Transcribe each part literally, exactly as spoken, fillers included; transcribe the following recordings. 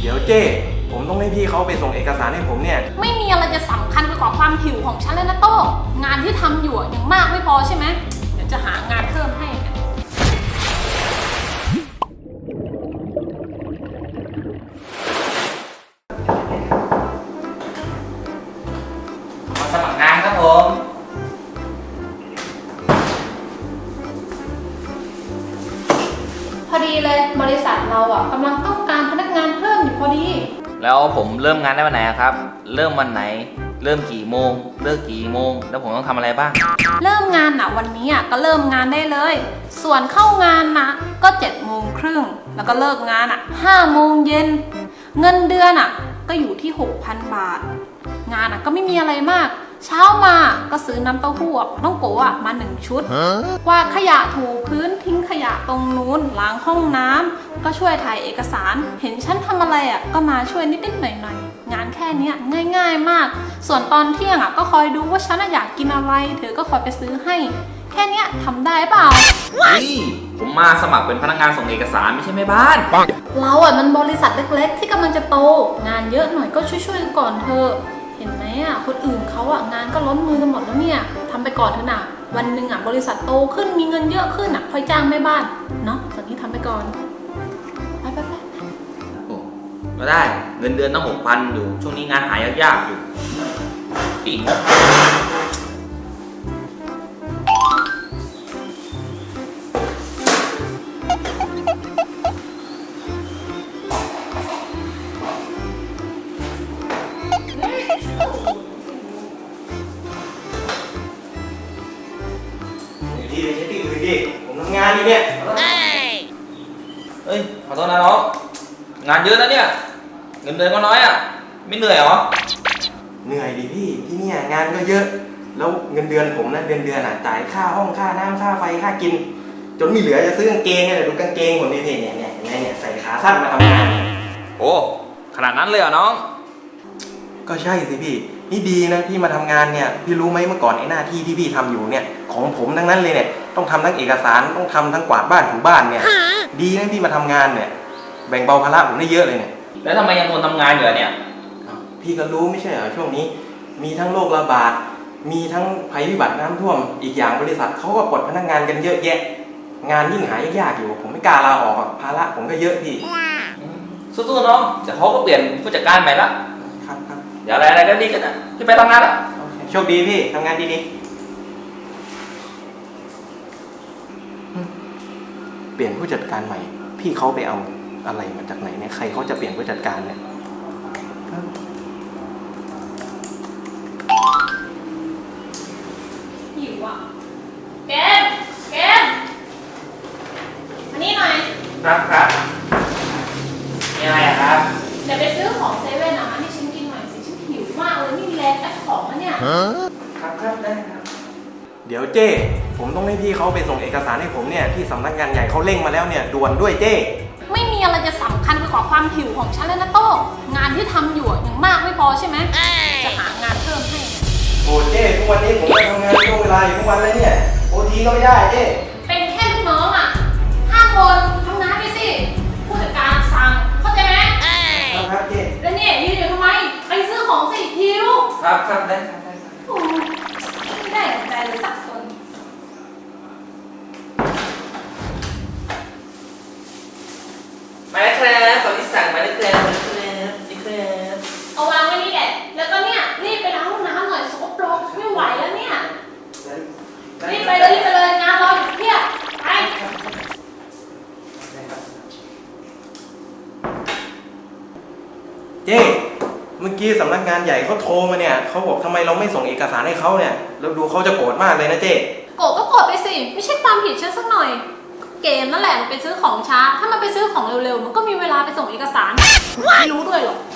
ดี๋ยวเจ้ผมต้องให้พี่เขาไปส่งเอกสารให้ผมเนี่ยไม่มีอะไรจะสำคัญไปกว่าความหิวของฉันเลยนะโต้งานที่ทำอยู่ยังมากไม่พอใช่ไหมเดี๋ยวจะหางานเพิ่มให้มาสมัครงานครับผมพอดีเลยบริษัทเราอ่ะกำลังต้องการพนักงานเพิ่มอยู่พอดีแล้วผมเริ่มงานได้วันไหนครับเริ่มวันไหนเริ่มกี่โมงเลิกกี่โมงแล้วผมต้องทำอะไรบ้างเริ่มงานอ่ะวันนี้อ่ะก็เริ่มงานได้เลยส่วนเข้างานนะก็เจ็ดโมงครึ่งแล้วก็เลิกงานอ่ะห้าโมงเย็นเงินเดือนอ่ะก็อยู่ที่ หกพัน บาทงานอ่ะก็ไม่มีอะไรมากเช้ามาก็ซื้อน้ำเต้าหู้น้องโกะมาหนึ่งชุดกวาดขยะถูพื้นทิ้งขยะตรงนู้นล้างห้องน้ำก็ช่วยถ่ายเอกสารเห็นฉันทำอะไรอ่ะก็มาช่วยนิดๆหน่อยๆงานแค่นี้ง่ายๆมากส่วนตอนเที่ยงอ่ะก็คอยดูว่าฉันอยากกินอะไรเธอก็คอยไปซื้อให้แค่นี้ทำได้เปล่าเฮ้ยผมมาสมัครเป็นพนักงานส่งเอกสารไม่ใช่แม่บ้านเราอ่ะมันบริษัทเล็กๆที่กำลังจะโตงานเยอะหน่อยก็ช่วยๆกันก่อนเธอเห็นไหมอ่ะคนอื่นเขาอ่ะงานก็ล้นมือกันหมดแล้วเนี่ยทำไปก่อนเถอะนะวันหนึ่งอ่ะบริษัทโตขึ้นมีเงินเยอะขึ้นอ่ะค่อยจ้างแม่บ้านเนาะตอนนี้ทำไปก่อนไปไปไปโอ้ก็ได้เงินเดือนต้องหกพันอยู่ช่วงนี้งานหายากๆอยู่อีกพี่ไปเช็คที่อื่นดิผมทำงานอยู่เนี่ยเฮ้ยขอโทษนะน้องงานเยอะนะเนี่ยเงินเดือนก็น้อยอ่ะไม่เหนื่อยเหรอเหนื่อยดิพี่ที่เนี่ยงานก็เยอะแล้วเงินเดือนผมนะเดือนเดือนอ่ะจ่ายค่าห้องค่าน้ำค่าไฟค่ากินจนไม่เหลือจะซื้อกางเกงเลยดูกางเกงผมดิพี่เนี่ยเนี่ยเนี่ยใส่ขาสั้นมาทำงานโอ้ขนาดนั้นเลยเหรอน้องก็ใช่สิพี่นี่ดีนะพี่มาทำงานเนี่ยพี่รู้ไหมเมื่อก่อนไอ้หน้าที่ที่พี่ทำอยู่เนี่ยของผมทั้งนั้นเลยเนี่ยต้องทำทั้งเอกสารต้องทำทั้งกวาดบ้านถูบ้านเนี่ยดีนะพี่มาทำงานเนี่ยแบ่งเบาภาระผมได้เยอะเลยเนี่ยแล้วทำไมยังทนทำงานอยู่เนี่ยพี่ก็รู้ไม่ใช่เหรอช่วงนี้มีทั้งโรคระบาดมีทั้งภัยพิบัติน้ำท่วมอีกอย่างบริษัทเขาก็ปลดพนักงานกันเยอะแยะงานยิ่งหายากอยู่ผมไม่กล้าลาออกภาระผมก็เยอะพี่สู้ๆน้องเดี๋ยวเขาก็เปลี่ยนผู้จัดการใหม่ละครับครับเดี๋ยวอะไรอะไรก็ดีกันนะพี่ไปทำงานแล้วโชคดีพี่ทำงานดีๆเปลี่ยนผู้จัดการใหม่พี่เขาไปเอาอะไรมาจากไหนเนี่ยใครเขาจะเปลี่ยนผู้จัดการเนี่ยหิวอ่ะเกมเกมอันนี้หน่อยครับครับมีอะไรครับเดี๋ยวไปซื้อของเซเว่นอ่ะมาให้ฉันกินหน่อยสิฉันหิวมากเลยไม่มีแรงแพ็คของแล้วเนี่ยครับครับได้ครับเดี๋ยวเจ้ผมต้องให้พี่เขาไปส่งเอกสารให้ผมเนี่ยที่สำนักงานใหญ่เขาเร่งมาแล้วเนี่ยด่วนด้วยเจ้ไม่มีอะไรจะสำคัญไปกว่าความหิวของฉันเลยนะโต้งานที่ทำอยู่ยังมากไม่พอใช่ไหมจะหางานเพิ่มให้โอ้เจ้ทุกวันนี้ผมไปทำงานช่วงเวลาอยู่ทุกวันเลยเนี่ยโอทีก็ไม่ได้เจ้เป็นแค่ลูกน้องอ่ะห้าคนทำงานไปสิผู้จัดการสั่งเข้าใจไหมครับเจ้แล้วเนี่ยยืนอยู่ทำไมไปซื้อของสิหิวครับครับได้ครับได้ไม่ได้ใจเลยสักคนมาแล้วครับขอที่สั่งมาแล้วครับมาแล้วครับนี่ครับเอาวางไว้นี่แหละแล้วก็เนี่ยรีบไปล้างห้องน้ำหน่อยสกปรกไม่ไหวแล้วเนี่ยรีบไปเลยรีบไปเลยงานรออยู่เพียบไปเจ้เมื่อกี้สำนักงานใหญ่เขาโทรมาเนี่ยเขาบอกทำไมเราไม่ส่งเอกสารให้เขาเนี่ยเราดูเขาจะโกรธมากเลยนะเจ้โกรธก็โกรธไปสิไม่ใช่ความผิดฉันสักหน่อยเกมนั่นแหละมันไปซื้อของช้าถ้ามันไปซื้อของเร็วๆมันก็มีเวลาไปส่งเอกสารไม่รู้ด้วยหรอ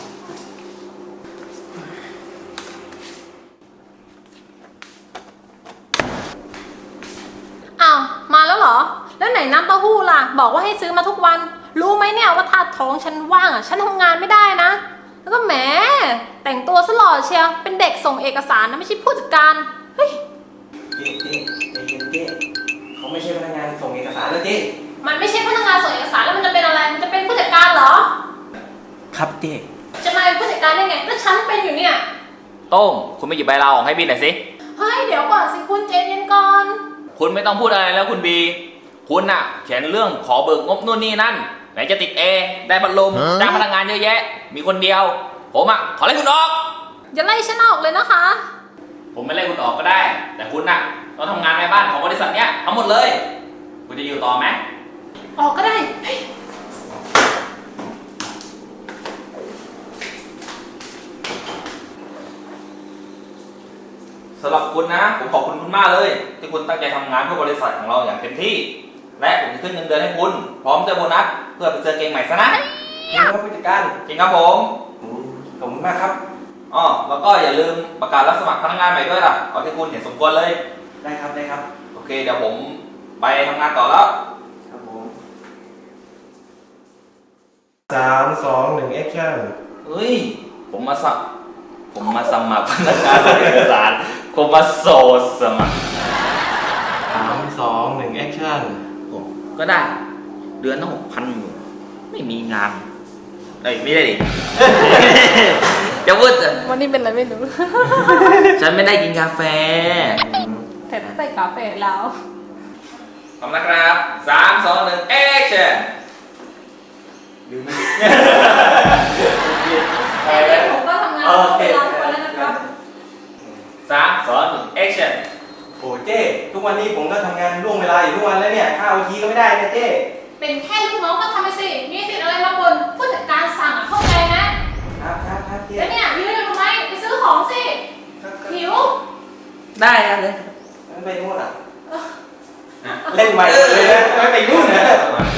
อ้าวมาแล้วเหรอแล้วไหนน้ำเต้าหู้ล่ะบอกว่าให้ซื้อมาทุกวันรู้ไหมเนี่ยว่าถ้าท้องฉันว่างอ่ะฉันทำงานไม่ได้นะแล้วก็แหมแต่งตัวซะหล่อเชียวเป็นเด็กส่งเอกสารนะไม่ใช่ผู้จัดการเฮ้ยเจ๊เจ๊ใจเย็นเจ๊เขาไม่ใช่พนักงานส่งเอกสารแล้วเจ๊มันไม่ใช่พนักงานส่งเอกสารแล้วมันจะเป็นอะไรมันจะเป็นผู้จัดการเหรอคครับเจ๊จะมาเป็นผู้จัดการได้ไงก็ฉันเป็นอยู่เนี่ยโต้งคุณไปหยิบใบลาออกให้บินหน่อยสิเฮ้ยเดี๋ยวก่อนสิคุณใจเย็นก่อนคุณไม่ต้องพูดอะไรแล้วคุณบี คุณน่ะเขียนเรื่องขอเบิกงบนู่นนี่นั่น ไหนจะติดเอได้พัดลมจ้างพนักงานเยอะแยะ มีคนเดียว ผมอ่ะขอไล่คุณออกอย่าไล่ฉันออกเลยนะคะผมไม่ไล่คุณออกก็ได้ แต่คุณน่ะต้องทำงานในบ้านของบริษัทเนี้ยทั้งหมดเลย คุณจะอยู่ต่อไหมออกก็ได้เฮ้ยสำหรับคุณนะ ผมขอบคุณคุณมากเลย ที่คุณตั้งใจทำงานเพื่อบริษัทของเราอย่างเต็มที่ และผมจะขึ้นเงินเดือนให้คุณ พร้อมจะโบนัสเพื่อไปซื้อเกงใหม่ซะนะจริงครับผู้จัดการจริงครับผมอืมขอบคุณมากครับอ๋อแล้วก็อย่าลืมประกาศรับสมัครพนักงานใหม่ด้วยล่ะเอาที่คุณเห็นสมควรเลยได้ครับได้ครับโอเคเดี๋ยวผมไปทำงานต่อแล้วครับผมสามสองหนึ่งแอคชั่นเฮ้ย ผมมาสัผมมาสมัครพนักงานเอกสารผมมาโสดสมัครสามสองหนึ่งแอคชั่นผมก็ได้ เดือนละหกพันอยู่ไม่มีงานเอ้ยไม่ได้ดิ จะพูดอะวันนี้เป็นอะไรไม่รู้ฉันไม่ได้กินกาแฟแต่ถ้าใส่กาแฟแล้วพร้อมนะครับสามสองหนึ่งแอคชั่นลืมไหมแค่นี้ผมก็ทำงานต้องเวลาทุกวันแล้วนะครับสามสองหนึ่งแอคชั่นโอ้เจ๊ทุกวันนี้ผมก็ทำงานล่วงเวลาอยู่ทุกวันแล้วเนี่ยค่าโอทีก็ไม่ได้นะเจ๊เป็นแค่ลูกน้องก็ทำไปสิ มีสิทธิ์อะไรมาบ่นผู้จัดการสั่งอ่ะเข้าใจนะครับครับครับเจ๊แล้วเนี่ยยืนอยู่ทำไมไปซื้อของสิครับครับหิวได้ครับเลยงั้นไปนู่นอ่ะเล่นใหม่เลยนะไม่ไปนู่นนะ